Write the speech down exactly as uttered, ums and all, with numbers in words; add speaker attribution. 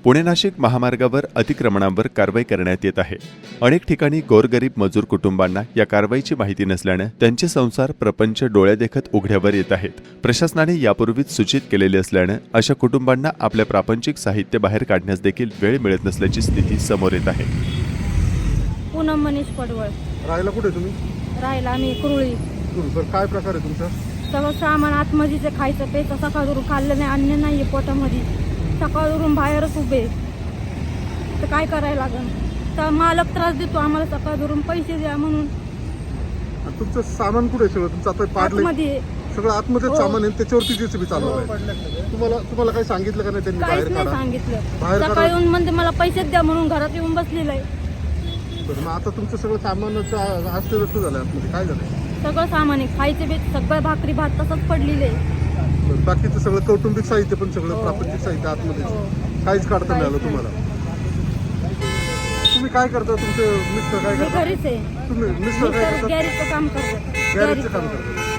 Speaker 1: पुणे नाशिक महामार्गावर अतिक्रमणांवर कारवाई करण्यात येत आहे. अनेक ठिकाणी गोरगरीब मजूर कुटुंबांना या कारवाईची माहिती नसल्याने त्यांचे संसार प्रपंच डोळ्यादेखत उघड्यावर येत आहेत. प्रशासनाने यापूर्वीच सूचित केलेले असल्याने अशा कुटुंबांना आपल्या प्रापंचिक साहित्य बाहेर काढण्यास देखील वेळ मिळत नसल्याची स्थिती समोर येत आहे.
Speaker 2: पूनम मनीष पडवळ.
Speaker 3: राहायला कुठे तुम्ही?
Speaker 2: राहिला आम्ही कुरुळी.
Speaker 3: सर काय प्रकार आहे तुमचा?
Speaker 2: सगळं सामान आतमध्येच आहे, खायचं प्यायचं सकाळवरून खाल्लं नाही, अन्न नाही आहे पोटामध्ये, सकाळवरून बाहेरच उभे. तर काय करायला लागेल? तर मालक त्रास देतो आम्हाला, सकाळवरून पैसे द्या म्हणून.
Speaker 3: आणि तुमचं सामान कुठे आहे? सगळं तुमचं आता पाडलंय
Speaker 2: आतमध्ये
Speaker 3: सगळं आतमध्येच
Speaker 2: हो.
Speaker 3: सामान आहे, त्याच्यावरती जेसीबी चालू आहे. तुम्हाला तुम्हाला काही सांगितलं का नाही त्यांनी
Speaker 2: काहीच
Speaker 3: बाहेर
Speaker 2: नाही
Speaker 3: काढा?
Speaker 2: सांगितलं.
Speaker 3: बाहेर
Speaker 2: सकाळी
Speaker 3: काढा.
Speaker 2: येऊन म्हणते मला पैसेच द्या म्हणून घरात येऊन बसलेलं आहे.
Speaker 3: बरं, मग आता तुमचं सगळं सामानाचं अस्तव्यस्त झालं आतमध्ये. काय झालं?
Speaker 2: सगळं सामान आहे, खायचे बी सगळं भाकरी भात तसंच पडलेलं आहे.
Speaker 3: बरं, बाकीचं सगळं कौटुंबिक साहित्य पण सगळं
Speaker 2: हो.
Speaker 3: प्रापंचिक साहित्य आतमध्ये
Speaker 2: हो.
Speaker 3: काहीच काढता नाही आलं
Speaker 2: काहीच
Speaker 3: तुम्हाला. तुम्ही काय करता? तुमचे मिस्टर काय
Speaker 2: मी
Speaker 3: करतात?
Speaker 2: घरीच आहे.
Speaker 3: तुम्ही मिस्टर काय
Speaker 2: मी
Speaker 3: करतात?
Speaker 2: गॅरेजचं काम करतो.
Speaker 3: गॅरेजचं काम करतात.